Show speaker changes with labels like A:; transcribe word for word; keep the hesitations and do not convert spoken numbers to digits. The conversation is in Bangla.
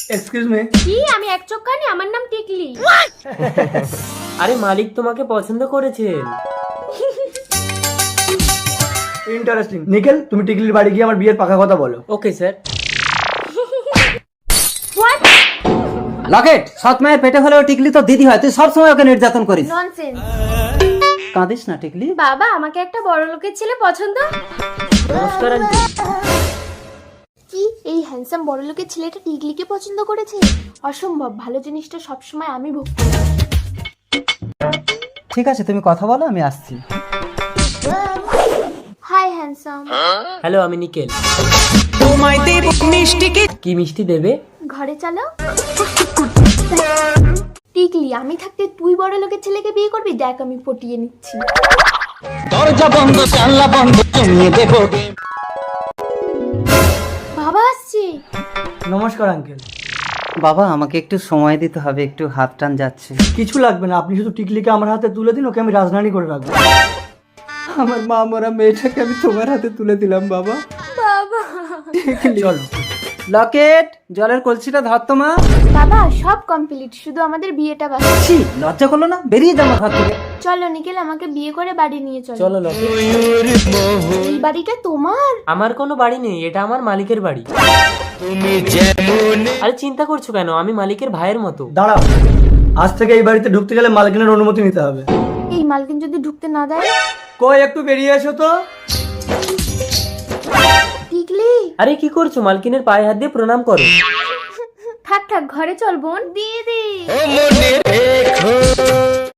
A: Excuse me.
B: কি? আমি এক চোখ কানি, আমার নাম টিকলি।
C: আরে মালিক তোমাকে পছন্দ করেছেন।
A: ইন্টারেস্টিং। নিখিল, তুমি টিকলির বাড়ি গিয়ে আমার বিয়ের পাকা কথা বলো।
C: Okay sir.
B: হোয়াট?
D: লকেট, সৎ মায়ের পেটে হলেও টিকলি তো দিদি হয়, তুই সবসময় ওকে নির্যাতন করিস।
B: ননসেন্স।
D: কাঁদিস না টিকলি।
B: বাবা, আমাকে একটা বড় লোকের ছেলে পছন্দ।
C: নমস্কার আন্টি।
B: কি এই হ্যান্ডসাম বড় লোকের ছেলেটা টিকলিকে পছন্দ করেছে? অসম্ভব, ভালো জিনিসটা সবসময় আমি ভোগ করি।
D: ঠিক আছে, তুমি কথা বলো, আমি আসছি।
B: Hi handsome.
C: হ্যালো, আমি নিকেল। কি মিষ্টি দেবে?
B: ঘরে চলো। টিকলি, আমি থাকতে তুই বড় লোকের ছেলেকে বিয়ে করবি? দেখ আমি পটিয়ে নিচ্ছি।
D: দরজা বন্ধ, জানলা বন্ধ, জমিয়ে দেবো।
B: বাবা আসছে।
A: নমস্কার আঙ্কেল।
D: বাবা, আমাকে একটু সময় দিতে হবে, একটু হাত টান যাচ্ছে।
A: কিছু লাগবে না, আপনি শুধু টিকলিকে আমার হাতে তুলে দিন, ওকে আমি রাজধানী করে রাখবো।
D: আমার মা মরা মেয়েটাকে আমি তোমার হাতে তুলে দিলাম বাবা।
B: বাবা।
A: চলো।
D: লকেট, জলের কলসিটা ধর তো মা।
B: বাবা, সব কমপ্লিট, শুধু আমাদের বিয়েটা বাকি।
D: ছি, লজ্জা করলো না? বেরিয়ে যাবো ঘর থেকে।
B: চলো নিখিল, আমাকে বিয়ে করে বাড়ি নিয়ে চলো।
C: চলো লকেট।
B: এই বাড়িটা তোমার?
C: আমার কোনো বাড়ি নেই, এটা আমার মালিকের বাড়ি। আরে চিন্তা করছো কেন? আমি মালিকের ভাইয়ের মতো।
A: দাঁড়াও, আজ থেকে এই বাড়িতে ঢুকতে গেলে মালকিনের অনুমতি নিতে হবে।
B: এই মালকিন যদি ঢুকতে না দেয়?
A: কই, একটু বেরিয়ে এসো তো।
B: টিকলি।
C: আরে কি করছো? মালকিনের পায়ে হাত দিয়ে প্রণাম করো।
B: থাক থাক, ঘরে চল বোন। দিয়ে দি।